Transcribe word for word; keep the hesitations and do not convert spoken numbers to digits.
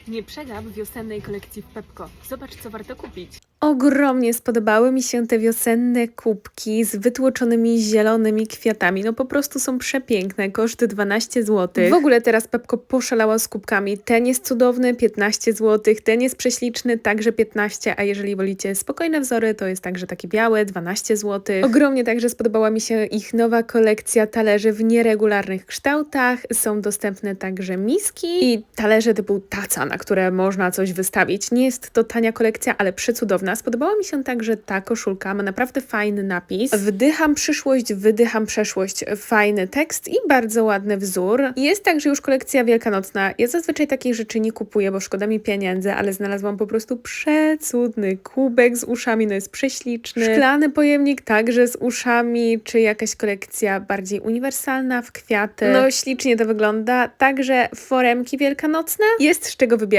Nie przegap wiosennej kolekcji w Pepco. Zobacz, co warto kupić. Ogromnie spodobały mi się te wiosenne kubki z wytłoczonymi zielonymi kwiatami. No po prostu są przepiękne, koszt dwanaście złotych. W ogóle teraz Pepco poszalała z kubkami. Ten jest cudowny, piętnaście złotych, ten jest prześliczny, także piętnaście, a jeżeli wolicie spokojne wzory, to jest także taki biały, dwanaście złotych. Ogromnie także spodobała mi się ich nowa kolekcja talerzy w nieregularnych kształtach. Są dostępne także miski i talerze typu taca, na które można coś wystawić. Nie jest to tania kolekcja, ale przecudowna. Spodobała mi się także ta koszulka, ma naprawdę fajny napis. Wdycham przyszłość, wydycham przeszłość. Fajny tekst i bardzo ładny wzór. Jest także już kolekcja wielkanocna. Ja zazwyczaj takich rzeczy nie kupuję, bo szkoda mi pieniędzy, ale znalazłam po prostu przecudny kubek z uszami, no jest prześliczny. Szklany pojemnik także z uszami, czy jakaś kolekcja bardziej uniwersalna w kwiaty. No ślicznie to wygląda. Także foremki wielkanocne. Jest z czego wybierać.